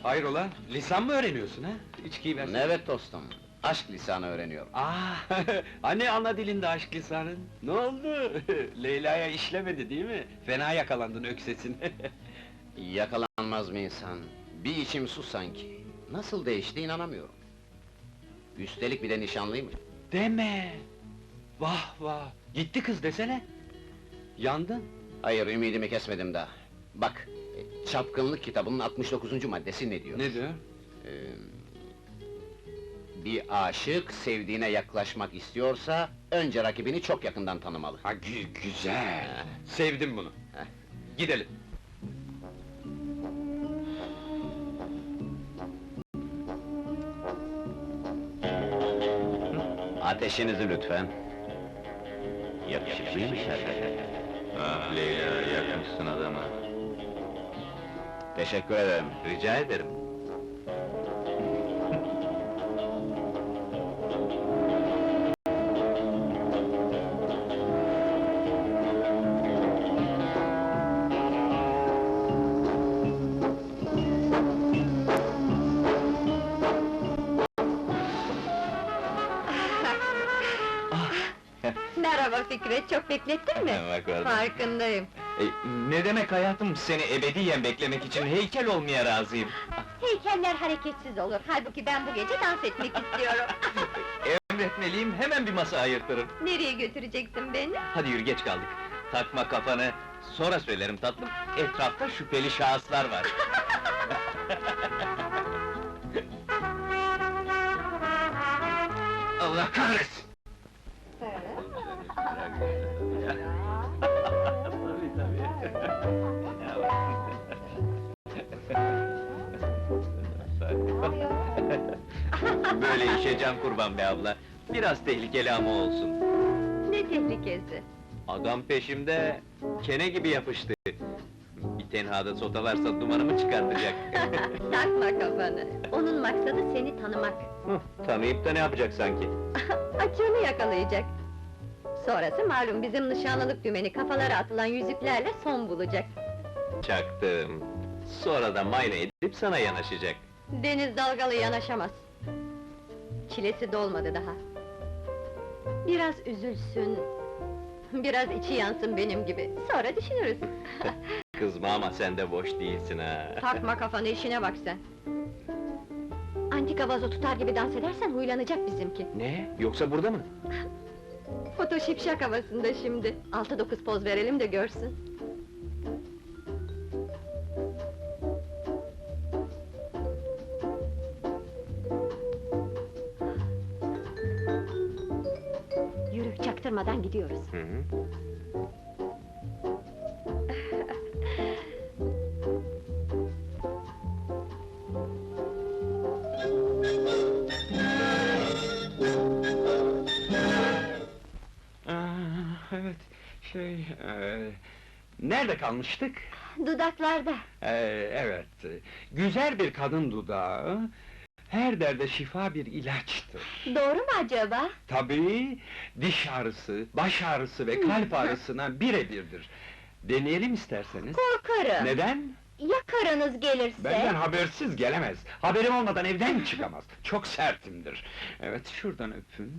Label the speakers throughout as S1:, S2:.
S1: Hayrola, lisan mı öğreniyorsun ha? İçkiyi versene.
S2: Evet dostum, aşk lisanı öğreniyorum.
S1: Hani ana dilinde aşk lisanın? Ne oldu? Leyla'ya işlemedi değil mi? Fena yakalandın öksesin.
S2: Yakalanmaz mı insan? Bir içim su sanki. Nasıl değişti inanamıyorum. Üstelik bir de nişanlıymış.
S1: Deme! Vah vah! Gitti kız desene! Yandın!
S2: Hayır, ümidimi kesmedim daha. Bak, Çapkınlık kitabının 69. maddesi ne diyor?
S1: Ne diyor?
S2: Bir aşık, sevdiğine yaklaşmak istiyorsa, önce rakibini çok yakından tanımalı.
S1: Ha güzel! Sevdim bunu!
S2: Heh.
S1: Gidelim!
S2: Ateşinizi lütfen. Yakışıklıymış hakikaten.
S3: Ah Leyla, yakmışsın adamı.
S2: Teşekkür ederim.
S3: Rica ederim.
S4: Merhaba Fikret, çok beklettin mi?
S3: Bak orada.
S4: Farkındayım.
S3: Ne demek hayatım, seni ebediyen beklemek için heykel olmaya razıyım.
S4: Heykeller hareketsiz olur, halbuki ben bu gece dans etmek istiyorum.
S3: Emretmeliyim, hemen bir masa ayırtırım.
S4: Nereye götüreceksin beni?
S3: Hadi yürü, geç kaldık. Takma kafanı, sonra söylerim tatlım. Etrafta şüpheli şahıslar var. Allah kahretsin! Böyle işe can kurban be abla. Biraz tehlikeli ama olsun.
S4: Ne tehlikesi?
S3: Adam peşimde, kene gibi yapıştı. Bir tenhada sotalarsa dumanımı çıkartacak.
S4: Takma kafanı, onun maksadı seni tanımak.
S3: Tanıyıp da ne yapacak sanki?
S4: Açığını yakalayacak. Sonrası malum, bizim nişanlılık dümeni kafalara atılan yüzüklerle son bulacak.
S3: Çaktım. Sonra da mayna edip sana yanaşacak.
S4: Deniz dalgalı yanaşamaz. Çilesi dolmadı daha. Biraz üzülsün, biraz içi yansın benim gibi, sonra düşünürüz.
S3: Kızma ama sen de boş değilsin ha.
S4: Takma kafanı, işine bak sen! Antika vazo tutar gibi dans edersen huylanacak bizimki.
S3: Ne? Yoksa burada mı?
S4: Foto şipşak havasında şimdi. 6-9 poz verelim de görsün. Yürü, çaktırmadan gidiyoruz.
S3: Hı hı.
S1: Evet, nerede kalmıştık?
S4: Dudaklarda.
S1: Evet, güzel bir kadın dudağı, her derde şifa bir ilaçtır.
S4: Doğru mu acaba?
S1: Tabii, diş ağrısı, baş ağrısı ve kalp ağrısına birebirdir. Deneyelim isterseniz.
S4: Korkarım.
S1: Neden?
S4: Ya karınız gelirse?
S1: Benden habersiz gelemez. Haberim olmadan evden çıkamaz. Çok sertimdir. Evet, şuradan öpün.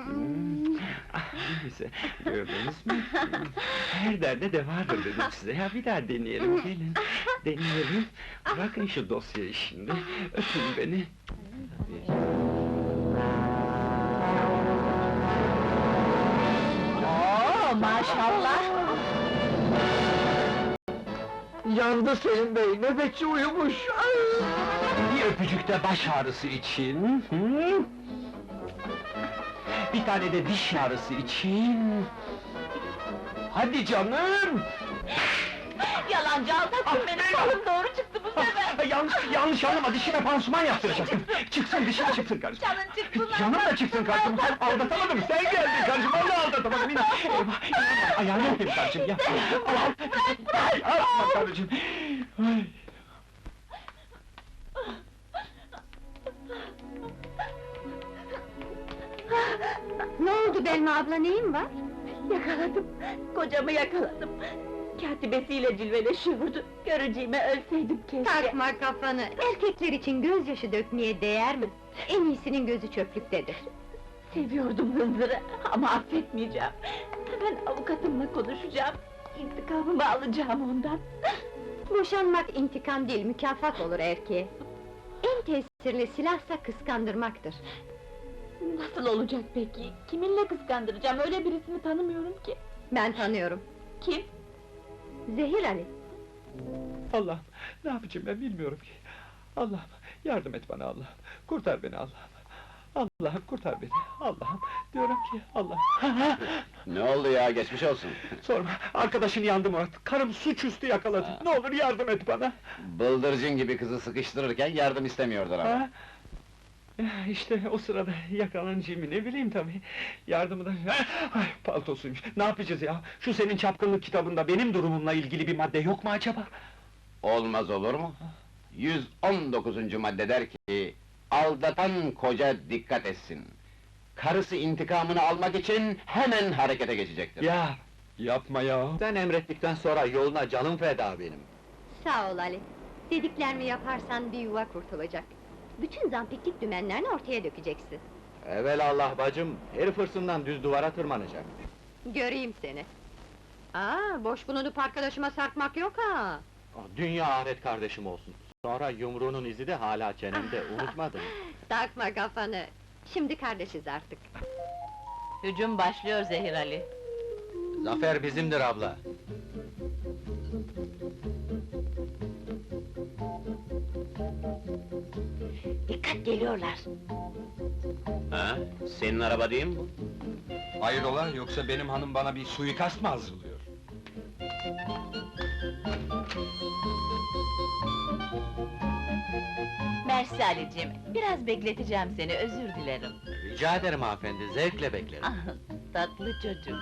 S1: Neyse, gördünüz mü? Her derde devadır dedim size. Ya bir daha deneyelim, gelin. Deneyelim. Bırakın şu dosyayı şimdi. Öpün beni.
S4: Oo, maşallah!
S1: Yandı Selim Bey, nöbetçi uyumuş! Bir öpücük de baş ağrısı için... Hı? Bir tane de diş ağrısı için... Hadi canım!
S4: Yalancı aldattın beni, kolum doğru çıktı bu sefer!
S1: Yanlış anlama, dişime pansuman yaptıracaktım! Çıksın, dişime çıksın kardeşim!
S4: Canın çıksın!
S1: Canım da çıksın kardeşim! Aldatamadım, sen geldin kardeşim, vallahi aldatamadım! Eyvah, ayağını öpeyim kardeşim, yapma! Yapma kardeşim! Ay.
S4: Ne oldu Belma abla, neyin var? Yakaladım, kocamı yakaladım!
S5: katibesiyle cilveleşiyordu. Göreceğime ölseydim keşke.
S4: Takma kafanı, erkekler için gözyaşı dökmeye değer mi? En iyisinin gözü çöplüktedir.
S5: Seviyordum Hınzır'ı ama affetmeyeceğim. Hemen avukatımla konuşacağım. İntikamımı alacağım ondan.
S4: Boşanmak intikam değil, mükafat olur erkeğe. En tesirli silahsa kıskandırmaktır.
S5: Nasıl olacak peki? Kiminle kıskandıracağım? Öyle birisini tanımıyorum ki.
S4: Ben tanıyorum,
S5: Kim?
S4: Zehir Ali.
S1: Allah'ım, ne yapacağım ben bilmiyorum ki. Allah'ım, yardım et bana Allah'ım. Kurtar beni Allah'ım. Allah'ım kurtar beni. Allah'ım, diyorum ki Allah'ım.
S2: Ne oldu ya, geçmiş olsun.
S1: Sorma, arkadaşın yandı Murat. Karım suçüstü yakaladı. Ne olur yardım et bana.
S2: Bıldırcın gibi kızı sıkıştırırken yardım istemiyordur ama.
S1: Ha? Ya işte o sırada yakalanacağımı ne bileyim tabii. Yardımı da... Ay, paltosuymuş. Ne yapacağız ya? Şu senin çapkınlık kitabında benim durumumla ilgili bir madde yok mu acaba?
S2: Olmaz olur mu? 119. madde der ki, aldatan koca dikkat etsin. Karısı intikamını almak için hemen harekete geçecektir.
S1: Ya, yapma ya.
S3: Sen emrettikten sonra yoluna canım feda benim.
S4: Sağ ol Ali. Dediklerimi yaparsan bir yuva kurtulacak. Bütün zampiklik dümenlerini ortaya dökeceksin.
S3: Evelallah bacım, herif hırsından düz duvara tırmanacak.
S4: Göreyim seni. Boş bulunup arkadaşıma sarkmak yok ha!
S3: Dünya ahiret kardeşim olsun. Sonra yumruğunun izi de hala çenemde, unutmadın.
S4: Takma kafanı! Şimdi kardeşiz artık.
S5: Hücum başlıyor Zehir Ali.
S3: Zafer bizimdir abla.
S5: Dikkat, geliyorlar.
S2: Ha? Senin araba değil mi bu?
S1: Hayrola, yoksa benim hanım bana bir suikast mı hazırlıyor?
S5: Mersi Ali'cim, biraz bekleteceğim seni, özür dilerim.
S3: Rica ederim hanımefendi, zevkle beklerim.
S5: Ah, tatlı çocuk.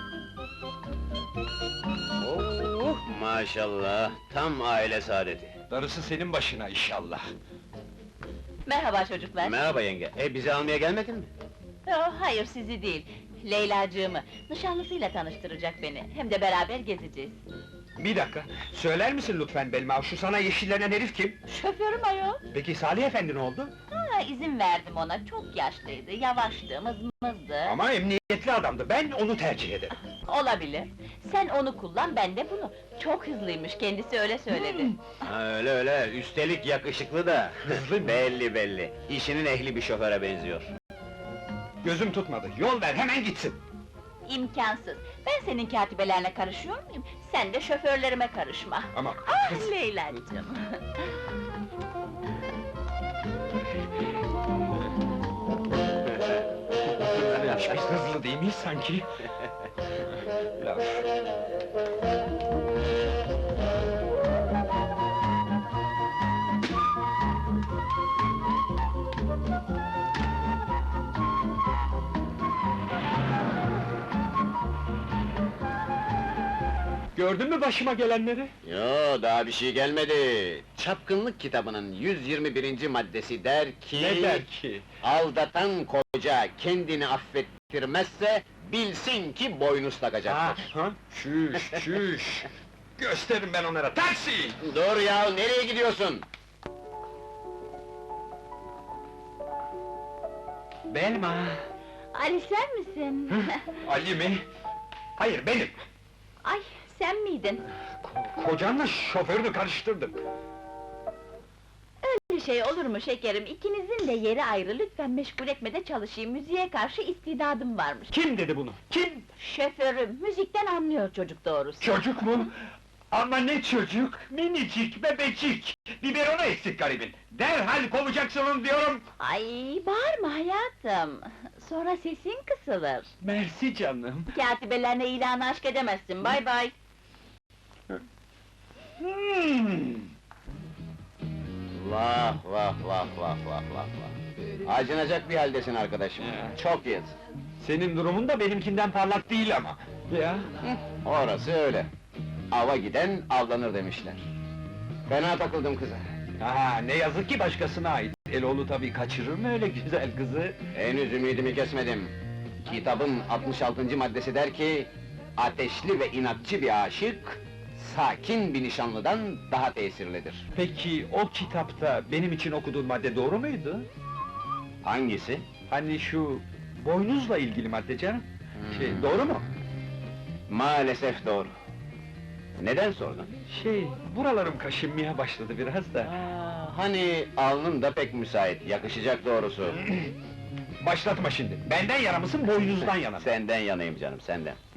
S2: Oh, maşallah, tam aile saadeti.
S1: Darısı senin başına inşallah.
S5: Merhaba çocuklar.
S2: Merhaba yenge, bizi almaya gelmedin mi?
S5: Hayır, sizi değil. Leylacığımı, nişanlısıyla tanıştıracak beni. Hem de beraber gezeceğiz.
S1: Bir dakika, söyler misin lütfen Belma, şu sana yeşillenen herif kim?
S5: Şoförüm ayol.
S1: Peki Salih efendi ne oldu?
S5: İzin verdim ona, çok yaşlıydı, yavaştı, mızmızdı.
S1: Ama emniyetli adamdı, ben onu tercih ederim.
S5: Olabilir. Sen onu kullan, ben de bunu. Çok hızlıymış, kendisi öyle söyledi.
S2: Ha, öyle öyle, üstelik yakışıklı da.
S1: Hızlı mı?
S2: Belli belli, işinin ehli bir şoföre benziyor.
S1: Gözüm tutmadı, yol ver, hemen gitsin!
S5: İmkansız. Ben senin katibelerine karışıyor muyum? Sen de şoförlerime karışma.
S1: Ama...
S5: Ah Leyla'cığım!
S1: Biz hızlı değil miyiz sanki? Laf. Gördün mü başıma gelenleri?
S2: Yo, daha bir şey gelmedi. Çapkınlık kitabının 121. maddesi der ki...
S1: Ne der ki?
S2: Aldatan koca kendini affettirmezse, bilsin ki boynuz
S1: Ha,
S2: takacaktır.
S1: ha? Çüş, çüş! Gösteririm ben onlara, taksi!
S2: Dur ya, nereye gidiyorsun?
S1: Belma!
S5: Ali sen misin?
S1: Ali mi? Hayır, benim!
S5: Ay, sen miydin?
S1: Kocanla şoförünü karıştırdım.
S5: Öyle şey olur mu şekerim? İkinizin de yeri ayrı, lütfen meşgul etme de çalışayım. Müziğe karşı istidadım varmış.
S1: Kim dedi bunu? Kim?
S5: Şoförüm, müzikten anlıyor çocuk doğrusu.
S1: Çocuk mu? Ama ne çocuk? Minicik, bebecik! Biberonu eksik garibin! Derhal kovacaksın onu diyorum!
S5: Ay, bağırma hayatım! Sonra sesin kısılır.
S1: Mersi canım!
S5: Katibelerine ilanı aşk edemezsin, bay bay!
S2: Vah vah vah vah vah vah vah! Acınacak bir haldesin arkadaşım, çok yazık.
S1: Senin durumun da benimkinden parlak değil ama! Ya!
S2: Orası öyle. Ava giden avlanır demişler. Fena takıldım kıza.
S1: Ha, ne yazık ki başkasına ait. Eloğlu tabii kaçırır mı öyle güzel kızı?
S2: Henüz ümidimi kesmedim. Kitabın 66. maddesi der ki... Ateşli ve inatçı bir aşık... sakin bir nişanlıdan daha tesirlidir.
S1: Peki o kitapta benim için okuduğun madde doğru muydu?
S2: Hangisi?
S1: Hani şu boynuzla ilgili madde canım. Doğru mu?
S2: Maalesef doğru. Neden sordun?
S1: Buralarım kaşınmaya başladı biraz da.
S2: Hani alnın da pek müsait, yakışacak doğrusu.
S1: Başlatma şimdi. Benden yana mısın, boynuzdan yana mı?
S2: Senden yanayım canım, senden.